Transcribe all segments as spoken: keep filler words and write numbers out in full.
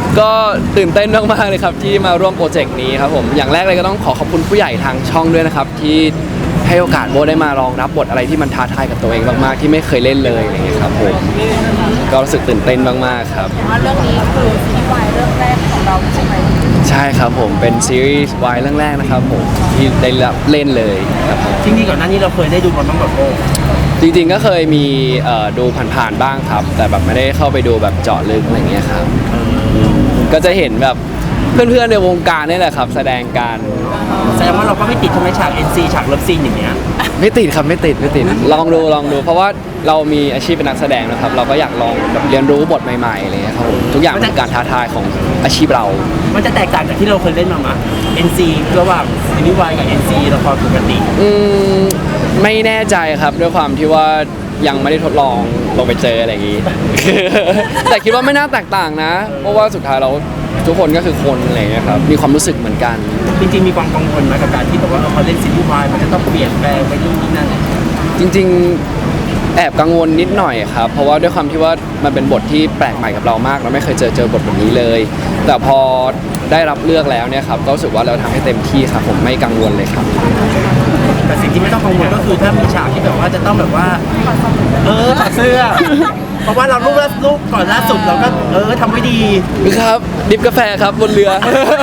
ก็ตื่นเต้นมากๆเลยครับที่มาร่วมโปรเจกต์นี้ครับผมอย่างแรกเลยก็ต้องขอขอบคุณผู้ใหญ่ทางช่องด้วยนะครับที่ให้โอกาสโบได้มาลองรับบทอะไรที่มันท้าทายกับตัวเองมากๆที่ไม่เคยเล่นเลยอะไรอย่างเงี้ยครับผมก็รู้สึกตื่นเต้นมากๆครับว่าเรื่องนี้คือซีรีส์วายเรื่องแรกของเราใช่ไหมใช่ครับผมเป็นซีรีส์วายเรื่องแรกนะครับผมที่ได้รับเล่นเลยครับผมจริงๆก่อนหน้านี้เราเคยได้ดูมันบ้างแบบโอ้จริงๆก็เคยมีเอ่อดูผ่านๆบ้างครับ แต่แบบไม่ได้เข้าไปดูแบบเจาะลึกอะไรอย่างเงี้ยครับก็จะเห็นแบบเพื่อนๆในวงการนี่แหละครับแสดงการแสดงว่าเราก็ไม่ติดใช่ไหมฉาก เอ็น ซี ฉากเลิฟซีนอย่างเงี้ยไม่ติดครับไม่ติดไม่ติดลองดูลองดู เพราะว่าเรามีอาชีพเป็นนักแสดงนะครับ เราก็อยากลองแบบเรียนรู้บทใหม่ๆอะไรเงี้ยครับผมทุกอย่างเป็นการท้าทายของอาชีพเรามันจะแตกต่างจากที่เราเคยเล่นมาไหม เอ็น ซี ระหว่างซีรีส์วายกับ เอ็น ซี ละครปกติอืมไม่แน่ใจครับด้วยความที่ว่ายังไม่ได้ทดลองลงไปเจออะไรอย่างนี้ แต่คิดว่าไม่น่าแตกต่างนะ เพราะว่าสุดท้ายเราทุกคนก็คือคนอะไรอย่างเงี้ยครับมีความรู้สึกเหมือนกันจริงๆมีความกังวลไหมกับการที่แบบว่าเราพอเล่นซีรีส์วายมันจะต้องเปลี่ยนแปลงไปนู่นนี่นั่นจริงๆแอบกังวลนิดหน่อยครับเพราะว่าด้วยความที่ว่ามันเป็นบทที่แปลกใหม่กับเรามากเราไม่เคยเจอเจอบทแบบนี้เลย แต่พอได้รับเลือกแล้วเนี่ยครับก็รู้สึกว่าเราทำให้เต็มที่ครับผมไม่กังวลเลยครับแต่สิ่งที่ไม่ต้องกังวลก็คือถ้ามีฉากที่แบบว่าจะต้องแบบว่า เออถอดเสื้อ เพราะว่าเรารูปล่ารูปก่อนล่าสุดเราก็เออทำไว้ดีครับดิฟกาแฟครับบนเรือ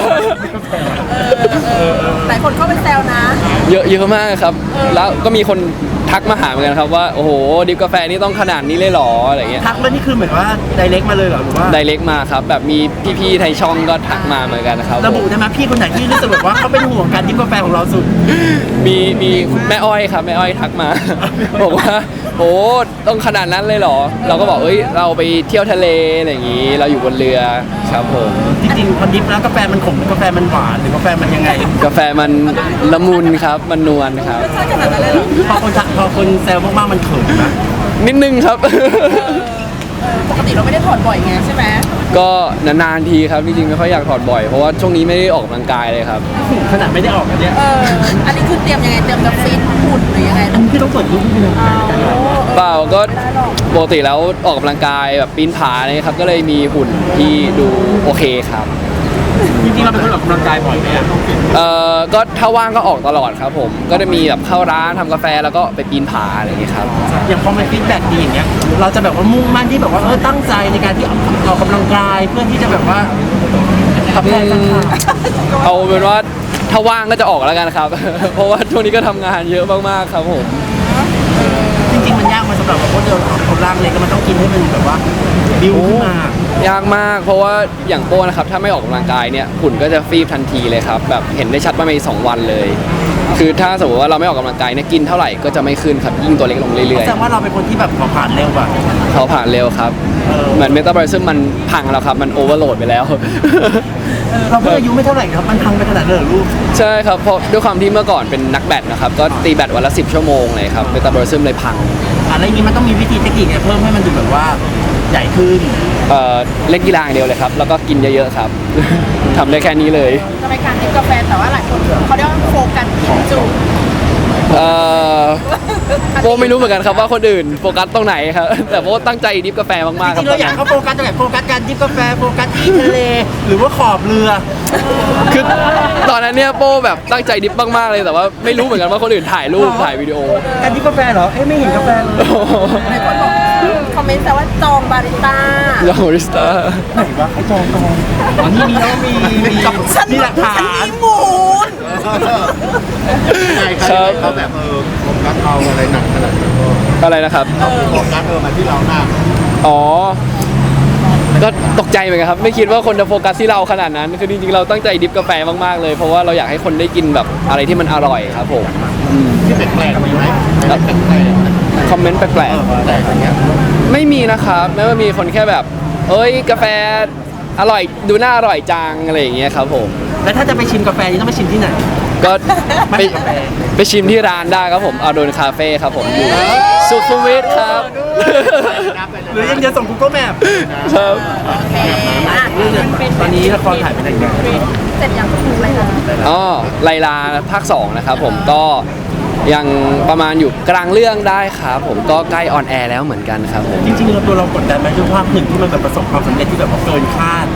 หลายคนเข้าไปแซวนะเยอะเยอะมากครับ แล้วก็มีคนทักมาหาเหมือนกันครับว่าโอ้โหดิฟกาแฟนี่ต้องขนาดนี้เลยเหรออะไรเงี้ยทักแล้วนี่คือเหมือนว่าไดเรกมาเลยเหรอหรือว่าไดเรกมาครับแบบมีพี่ๆไทยช่องก็ทักมาเหมือนกันนะครับระบุได้ไหมพี่คนไหนที่รู้สึกแบบว่าเขาเป็นห่วงการดิฟกาแฟของเราสุดมีมีแม่อ้อยครับแม่อ้อยทักมา บอกว่าโอ้ต้องขนาดนั้นเลยเหรอ เราก็บอกเอ้ยเราไปเที่ยวทะเลอะไรอย่างงี้ เราอยู่บนเรือครับผมจริงๆพอดิฟแล้วกาแฟมันขมหรือกาแฟมันหวานหรือกาแฟมันยังไงกาแฟมันละมุนครับมันนวลครับใช่ขนาดนั้นเลยเหรอพอคนทักพอคนแซวมากๆมันเขินนะนิดนึงครับปกติเราไม่ได้ถอดบ่อยไงใช่ไหมก็นานๆทีครับจริงๆไม่ค่อยอยากถอดบ่อยเพราะว่าช่วงนี้ไม่ได้ออกกำลังกายเลยครับขนาดไม่ได้ออกกันเนี่ยเอออันนี้คือเตรียมยังไงเตรียมจะฟิตหุ่นหรือยังไงพี่ต้องเปิดรูปให้ดูเปล่าก็ปกติแล้วออกกำลังกายแบบปีนผาเนี่ยครับก็เลยมีหุ่นที่ดูโอเคครับจริงๆเราเป็นคนออกกำลังกายบ่อยไหมอะเอ่อก็ถ้าว่างก็ออกตลอดครับผมก็จะมีแบบเข้าร้านทำกาแฟแล้วก็ไปปีนผาอะไรอย่างเงี้ยครับอย่างพอมันฟีดแบ็กดีอย่างเงี้ยเราจะแบบว่ามุ่งมั่นที่แบบว่าเออตั้งใจในการที่ออกกำลังกายเพื่อที่จะแบบว่าทำแรงต่างเอาเป็นว่าถ้าว่างก็จะออกแล้วกันครับ เพราะว่าช่วงนี้ก็ทำงานเยอะมากๆครับผมๆจริงๆมันยากมาสำหรับคนเดียวคนร่างเล็กก็มันต้องกินให้มันแบบว่าบิวขึ้นมายากมากเพราะว่าอย่างโป้นะครับถ้าไม่ออกกำลังกายเนี่ยหุ่นก็จะฟีบทันทีเลยครับแบบเห็นได้ชัดว่าในสองวันเลย คือถ้าสมมติว่าเราไม่ออกกำลังกายเนี่ยกินเท่าไหร่ก็จะไม่ขึ้นครับยิ่งตัวเล็กลงเรื่อยแสดงว่าเราเป็นคนที่แบบเผาผลาญเร็วกว่าๆเขาผ่านเร็วครับเออเหมือนเมตาบอลิซึมมันพังแล้วครับมันโอเวอร์โหลดไปแล้วเราเพิ่งอายุไม่เท่าไหร่ครับมันพังไปขนาดนั้นเหรอลูกใช่ครับเพราะด้วยความที่เมื่อก่อนเป็นนักแบดนะครับก็ตีแบดวันละสิบชั่วโมงเลยครับเมตาบอลิซึมเลยพังอะไรอย่างนี้มันต้องมีวิธีเทคนิคเนี่ยเพิ่มให้มันดูแบบว่าใหญ่ขึ้นเอ่อเล่นกีฬาอย่างเดียวเลยครับแล้วก็กินเยอะๆครับ ทำได้แค่นี้เลยทำไมการดิบกาแฟแต่ว่าหลายคนเขาเรียกว่าโฟกัสที่จุดเอ่อโบไม่รู้เหมือนกันครับว่าคนอื่นโฟกัสตรงไหนครับ แต่โบตั้งใจดิฟกาแฟมากๆจครัริบงๆเราอยากเขาโฟกัสตรงไหนโฟกัสการดิฟกาแฟโฟกัสที่ทะเลหรือว่าขอบเรือคือตอนนั้นเนี่ยโบแบบตั้งใจดิฟมากๆเลยแต่ว่าไม่รู้เหมือนกันว่าคนอื่นถ่ายรูปถ่ายวิดีโอการดิฟกาแฟเหรอเอ้ยไม่เห็นกาแฟเลยหลายคนบอกคอมเมนต์แต่ว่าจองบาริสต้ายองริสตาไหนวะเขาจองจองอ๋อนี่มีแล้วมีมีมีหลักฐาฉันนมีมูลใช่ครับเขาแบบเออโฟกัสเอาอะไรหนักขนาดนั้นก็อะไรนะครับโฟกัสเออมาที่เราหน้าอ๋อ ก็ตกใจเหมือนกันครับ ไม่คิดว่าคนจะโฟกัสที่เราขนาดนั้น คือจริงๆ เราตั้งใจดิฟกาแฟมากๆเลย เพราะว่าเราอยากให้คนได้กินแบบอะไรที่มันอร่อยครับผมที่แปลกๆมีไหมแปลกๆแปลกคอมเมนต์แปลกๆแปลกอย่างเงี้ยๆ ไม่มีนะครับแม้ว่ามีคนแค่แบบ เอ้ยกาแฟอร่อยดูน่าอร่อยจังอะไรอย่างเงี้ยครับผมแล้วถ้าจะไปชิมกาแฟนี่ต้องไปชิมที่ไหนก็ไม่ไปมีกาแฟไปชิมที่ร้านได้ครับผมอาโดนคาเฟ่ครับผมอยู่สุขุมวิทครับหรือยังจะส่ง Google Map ครับโอเคอ่ะตอนนี้ละครถ่ายไปไหนกันเสร็จยังคืออะไรนะอ๋อไลลาภาคสองนะครับผมก็ยังประมาณอยู่กลางเรื่องได้ครับผมก็ใกล้ออนแอร์แล้วเหมือนกันครับผมจริงๆเราตัวเรากดดันไหมด้วยภาพหนึ่งที่มันแบบประสบความสำเร็จที่แบบว่าเกินคาด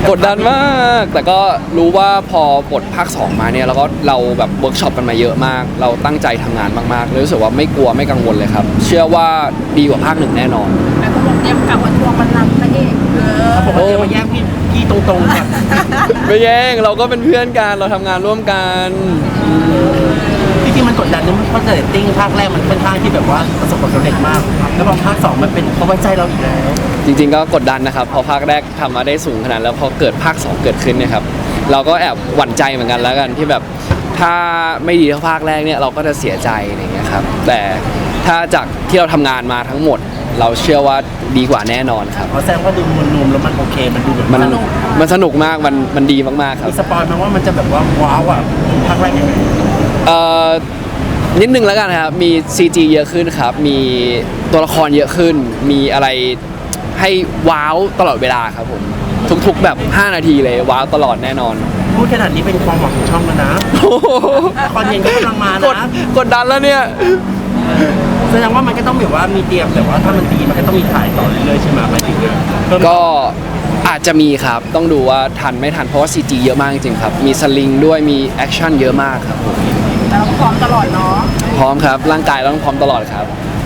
กดดันมาก แต่ก็รู้ว่าพอบทภาคสองมาเนี่ยเราก็เราแบบเวิร์กช็อปกันมาเยอะมาก เราตั้งใจทำงานมากๆเลยรู้สึกว่าไม่กลัวไม่กังวลเลยครับ เชื่อว่าดีกว่าภาคหนึ่งแน่นอนแล้วก็บอกเตรียมกลับมาทวงบัลลังก์พระเอกเออเขาบอกว่าจะมาแย่งพี่พี่ตรงๆแบบไม่แย่งเราก็เป็นเพื่อนกันเราทำงานร่วมกันจริงๆมันกดดันนะเพราะเรตติ้งภาคแรกมันค่อนข้างที่แบบว่าประสบความสำเร็จมาก แล้วพอภาคสองมันเป็นเขาไว้ใจเราอีกแล้วจริงๆก็กดดันนะครับพอภาคแรกทำมาได้สูงขนาดแล้วพอเกิดภาคสองเกิดขึ้นเนี่ยครับเราก็แอบหวั่นใจเหมือนกันแล้วกันที่แบบถ้าไม่ดีเท่าภาคแรกเนี่ยเราก็จะเสียใจอะไรอย่างเงี้ยครับแต่ถ้าจากที่เราทำงานมาทั้งหมด เราเชื่อว่าดีกว่าแน่นอนครับเพราะแสดงว่าดูมวลรวมแล้วมันโอเคมันดูแบบมันสนุกมันสนุกมากมันมันดีมากๆครับมีสปอยล์ไหมว่ามันจะแบบว่าว้าวอ่ะภาคแรกยังไงเอ่อนิดนึงแล้วกันนะครับ มี ซี จี เยอะขึ้นครับ มีตัวละครเยอะขึ้น มีอะไรให้ว้าวตลอดเวลาครับผม ทุกๆแบบ ห้า นาทีเลยว้าวตลอดแน่นอนพูดขนาดนี้เป็นความหวังของช่องแล้วนะโอ้โหละครเย็นก็กำลังมากดนะกดดันแล้วเนี่ยแสดงว่ามันก็ต้องแบบว่ามีเตรียมแต่ว่าถ้ามันดีมันก็ต้องมีถ่ายต่อเรื่อยๆใช่ไหมหมายถึงว่าเพิ่มก็อาจจะมีครับ ต้องดูว่าทันไม่ทัน เพราะว่า ซี จี เยอะมากจริงๆครับ มีสลิงด้วย มีแอคชั่นเยอะมากครับผมแต่เราก็พร้อมตลอดเนาะพร้อมครับ ร่างกายเราต้องพร้อมตลอดครับ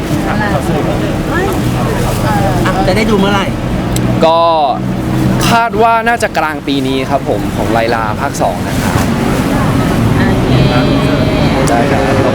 อ่ะจะได้ดูเมื่อไหร่ก็คาดว่าน่าจะกลางปีนี้ครับผมของไลลาภาคสองนะครับโอเคได้ครับ